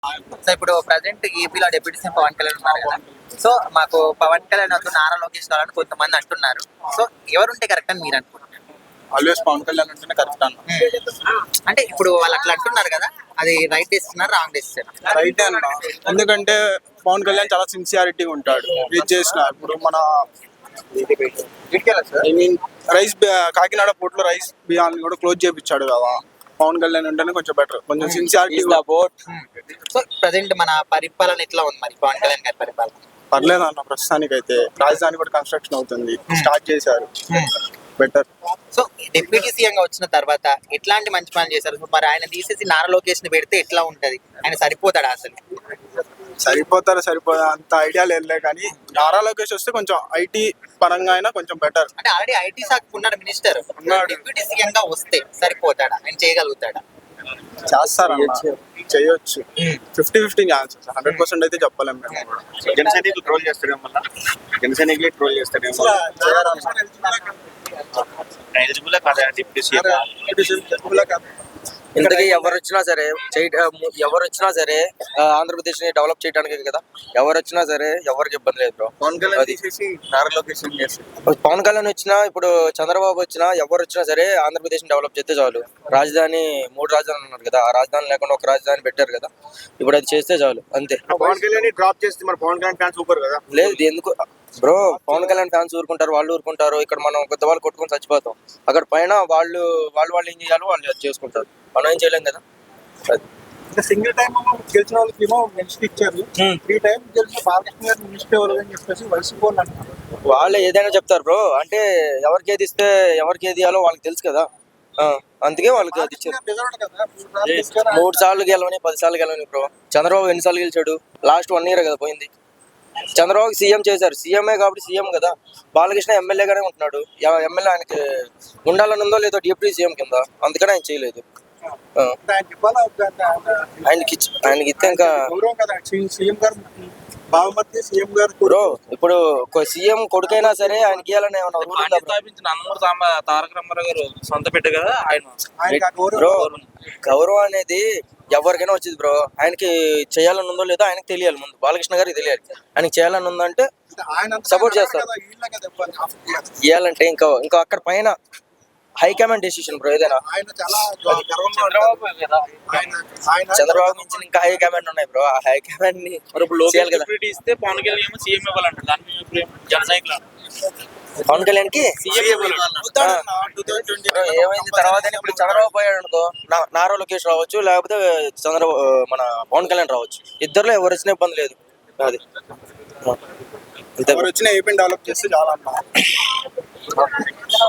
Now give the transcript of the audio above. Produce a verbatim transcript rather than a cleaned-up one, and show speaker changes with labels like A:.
A: So ఇప్పుడు present ఏపీలో deputy CM Pawan Kalyan ఉన్నారు కదా. సో మాకు పవన్ కళ్యాణ్ వద్దు నారా లోకేష్ కావాలని కొంతమంది అంటున్నారు. సో ఎవరుంటే కరెక్ట్ అని మీరు అనుకుంటున్నారు?
B: ఆల్వేస్ పవన్ కళ్యాణ్ ఉంటేనే కరెక్ట్ అన్న.
A: అంటే ఇప్పుడు వాళ్ళు అట్లా అంటున్నారు కదా, అది right decision wrong decision?
B: Right అన్న, ఎందుకంటే పవన్ కళ్యాణ్ చాలా సిన్సియారిటీగా ఉంటాడు. ఇది చేసిన ఇప్పుడు మన I mean rice Kakinada port లో రైస్ బియ్యాన్ని కూడా క్లోజ్ చేయించాడు కదా. పవన్ కళ్యాణ్ ఉంటేనే కొంచెం బెటర్, కొంచెం సిన్సియారిటీ.
A: సో ప్రజెంట్ మన పరిపాలన ఎట్లా ఉంది మరి పవన్ కళ్యాణ్ గారి పరిపాలన?
B: పర్లేదు అన్న, ప్రస్తుతానికి అయితే రాజధాని కూడా కన్స్ట్రక్షన్ అవుతుంది, స్టార్ట్ చేశారు, బెటర్.
A: సో డిప్యూటీ సీఎం గా వచ్చిన తర్వాత ఎట్లాంటి మంచి పనులు చేశారు? సో మరి ఆయన తీసేసి నారా లోకేష్ ని పెడితే ఎట్లా ఉంటది? ఆయన సరిపోతాడా అసలు?
B: సరిపోతారా సరిపోతా అంత ఐడియా లేదులే, కానీ నారా లోకేష్ వస్తే కొంచెం ఐటీ పరంగా అయినా కొంచెం బెటర్.
A: అంటే ఆల్రెడీ ఐటీ శాఖ ఉన్నాడు మినిస్టర్, డిప్యూటీ సీఎం గా వస్తే సరిపోతాడా? ఆయన చేయగలుగుతాడా?
B: చేస్తారన్న, చేయొచ్చు. Fifty fifty chances, hundred percent అయితే చెప్పలేము మేము కూడా.
C: జన సైనికులు ట్రోల్ చేస్తారేమో, మళ్ళీ జన సైనికులే ట్రోల్ చేస్తారేమో. ఎలిజిబుల్ కాదా డిప్యూటీ సీఎం?
D: ఇంతకీ ఎవరు వచ్చినా సరే ఎవరు వచ్చినా సరే ఆంధ్రప్రదేశ్ ని డెవలప్ చేయడానికి కదా. ఎవరు వచ్చినా సరే ఎవరికి ఇబ్బంది లేదు బ్రో.
B: పవన్ కళ్యాణ్ తీసేసి నారా లోకేష్ చేస్తారు.
D: పవన్ కళ్యాణ్ వచ్చినా ఇప్పుడు చంద్రబాబు వచ్చినా ఎవరు వచ్చినా సరే ఆంధ్రప్రదేశ్ ని డెవలప్ చేస్తే చాలు. రాజధాని మూడు రాజధానులు ఉన్నారు కదా, ఆ రాజధాని లేకుండా ఒక రాజధాని పెట్టారు కదా, ఇప్పుడు అది చేస్తే చాలు అంతే.
C: పవన్ కళ్యాణ్ డ్రాప్ చేస్తే మరి పవన్ కళ్యాణ్ ఫ్యాన్స్ సూపర్ కదా.
D: లేదు ఎందుకు బ్రో, పవన్ కళ్యాణ్ ఫ్యాన్స్ ఊరుకుంటారు, వాళ్ళు ఊరుకుంటారు. ఇక్కడ మనం కొత్త వాళ్ళు కొట్టుకొని చచ్చిపోతాం. అక్కడ పైన వాళ్ళు వాళ్ళు వాళ్ళు ఏం చేయాలో వాళ్ళు అది చేసుకుంటారు, మనం ఏం చేయలేం కదా.
B: సింగిల్ టైం గెలిచిన వాళ్ళకి ఏమో మినిస్టర్ ఇచ్చారు, త్రీ టైం గెలిచిన బాలకృష్ణ గారు మినిస్టర్ ఎవరు అని చెప్పేసి వైసీపీ అంటున్నారు.
D: వాళ్ళు ఏదైనా చెప్తారు బ్రో, అంటే ఎవరికి ఏది ఇస్తే ఎవరికి ఏది ఇవ్వాలో వాళ్ళకి తెలుసు కదా, అందుకే వాళ్ళకి అది ఇచ్చారు. మూడు సార్లు గెలవని పది సార్లు గెలవని బ్రో. చంద్రబాబు ఎన్నిసార్లు గెలిచాడు? లాస్ట్ వన్ ఇయర్ కదా పోయింది. చంద్రబాబు సీఎం చేశారు, సీఎంఏ కాబట్టి సీఎం కదా. బాలకృష్ణ ఎమ్మెల్యేగానే ఉంటున్నాడు, ఎమ్మెల్యే ఆయనకి ఉండాలని ఉందో లేదో డిప్యూటీ సీఎం కింద, అందుకని ఆయన చేయలేదు. ఆయనకి ఆయనకి ఇస్తే ఇంకా బ్రో, ఇప్పుడు సీఎం కొడుకైనా సరే ఆయనకి ఇవ్వాలని ఏమన్నా
E: తారక రామారావు గారు సొంత పెట్ట కదా ఆయన.
D: బ్రో గౌరవం అనేది ఎవరికైనా వచ్చింది బ్రో. ఆయనకి చేయాలని ఉందో లేదో ఆయనకి తెలియాలి ముందు, బాలకృష్ణ గారికి తెలియాలి. ఆయనకి చేయాలని ఉందంటే సపోర్ట్ చేస్తారు. ఇవ్వాలంటే ఇంకా ఇంకా అక్కడ పైన హైకమాండ్ డెసిషన్ బ్రో. ఏదైనా చంద్రబాబు నుంచి ఇంకా హైకమాండ్ ఉన్నాయి బ్రో. ఆ హైకమాండ్ ని
E: ఇస్తే పవన్ కళ్యాణ్ ఏమో సీఎం ఇవ్వాలంటారు. దాని జన సైకిల్
D: పవన్ కళ్యాణ్ కి ఏమైంది తర్వాత ఇప్పుడు చంద్రబాబు పోయాడు అనుకో, నారా లోకేష్ రావచ్చు, లేకపోతే చంద్రబాబు మన పవన్ కళ్యాణ్ రావచ్చు. ఇద్దరులో ఎవరు వచ్చినా ఇబ్బంది లేదు. అది
B: ఎవరు వచ్చినా ఏపీ డెవలప్ చేస్తే చాలా అన్నా.